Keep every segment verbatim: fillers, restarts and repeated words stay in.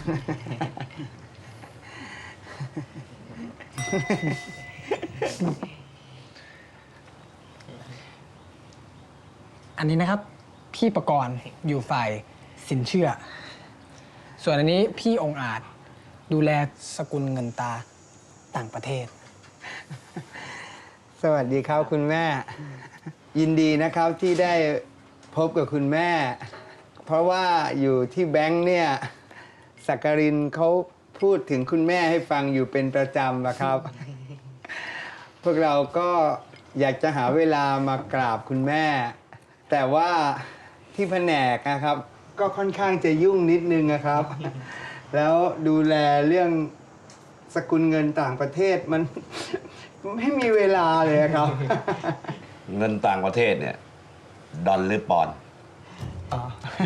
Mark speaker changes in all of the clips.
Speaker 1: อันนี้นะครับพี่ประกรณ์อยู่ฝ่ายสินเชื่อ ส่วนอันนี้พี่องค์อาจดูแลสกุลเงินตาต่างประเทศ
Speaker 2: สวัสดีครับคุณแม่ ยินดีนะครับที่ได้พบกับคุณแม่ เพราะว่าอยู่ที่แบงค์เนี่ยสักการินเขาพูดถึงคุณแม่ให้ฟังอยู่เป็นประจำนะครับ พวกเราก็อยากจะหาเวลามากราบคุณแม่ แต่ว่าที่แผนกนะครับ ก็ค่อนข้างจะยุ่งนิดนึงนะครับ แล้วดูแลเรื่องสกุลเงินต่างประเทศมัน ไม่มีเวลาเลยครับ
Speaker 3: เงินต่างประเทศเนี่ยดอลหรือปอนด์
Speaker 2: อ๋อ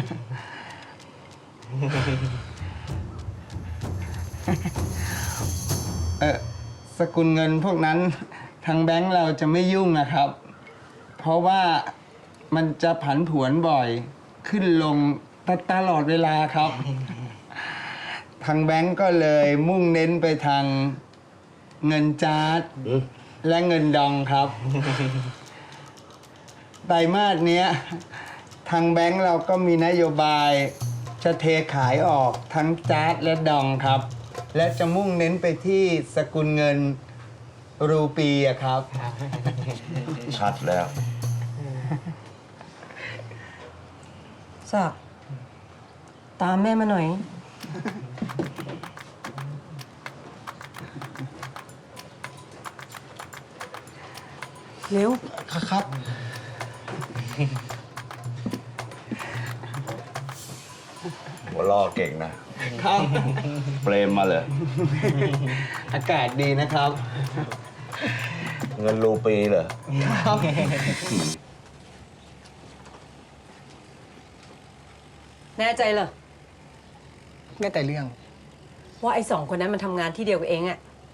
Speaker 2: เออสกุลเงินพวกนั้นทางแบงค์เราจะไม่ยุ่งนะครับ เพราะว่ามันจะผันผวนบ่อยขึ้นลงตลอดเวลาครับ ทางแบงค์ก็เลยมุ่งเน้นไปทางเงินจาร์ดและเงินดองครับ ไตรมาสเนี้ยทางแบงค์เราก็มีนโยบายจะเทขายออกทั้งจาร์ดและดองครับ และจะมุ่งเน้นไปที่สกุลเงินรูปีอะครับ
Speaker 3: ชัดแล้ว
Speaker 4: ศักดิ์ตามแม่มาหน่อย เร็ว
Speaker 2: ครับ
Speaker 3: หัวล่อเก่งนะ
Speaker 2: ครับ
Speaker 3: เปรมมาเลย
Speaker 2: อากาศดีนะครับ
Speaker 3: เงินรูปีเหรอ
Speaker 2: ครับ
Speaker 4: แน่ใจเหรอ
Speaker 1: แม่แต่เรื่อง
Speaker 4: ว่าไอ้สองคนนั้นมันทำงานที่เดียวกับเองอะ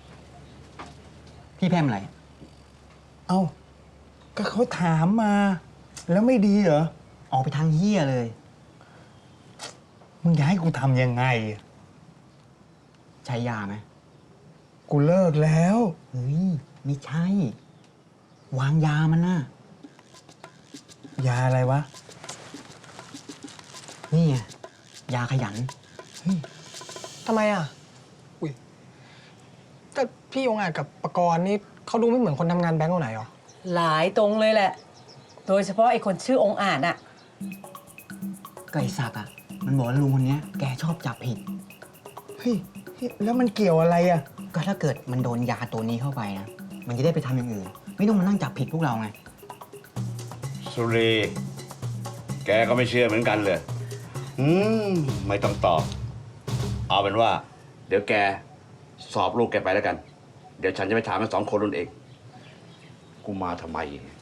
Speaker 2: พี่แพมอะไร เอ้า ก็เขาถามมา แล้วไม่ดีเหรอ
Speaker 5: ออกไปทางเหี้ยเลย
Speaker 2: มึงจะให้กูทำยังไง
Speaker 5: ใช้ยาไหม
Speaker 2: กูเลิกแล้ว
Speaker 5: เฮ้ย ไม่ใช่ วางยามันน่ะ
Speaker 2: ยาอะไรวะ
Speaker 5: นี่ไง ยาขยัน
Speaker 1: ทำไมอ่ะ อุ้ยแต่พี่องค์อาจกับประกรณ์นี่เขาดูไม่เหมือนคนทำงานแบงก์คนไหนหรอ
Speaker 4: หลายตรงเลยแหละ โดยเฉพาะไอ้คนชื่อองค์อาจอะ
Speaker 5: ก็ไอ้ศักดิ์อ่ะ มันบอกว่าลุงคนเนี้ยแกชอบจับผิด
Speaker 2: เฮ้ย แล้วมันเกี่ยวอะไรอ่ะ
Speaker 5: ก็ถ้าเกิดมันโดนยาตัวนี้เข้าไปนะ มันจะได้ไปทำอย่างอื่น ไม่ต้องมานั่งจับผิดพวกเราไง
Speaker 3: สุรี แกก็ไม่เชื่อเหมือนกันเลย อืม ไม่ต้องตอบ เอาเป็นว่า เดี๋ยวแกสอบลูกแกไปแล้วกัน เดี๋ยวฉันจะไปถามมันสองคนนั่นเอง กูมาทำไม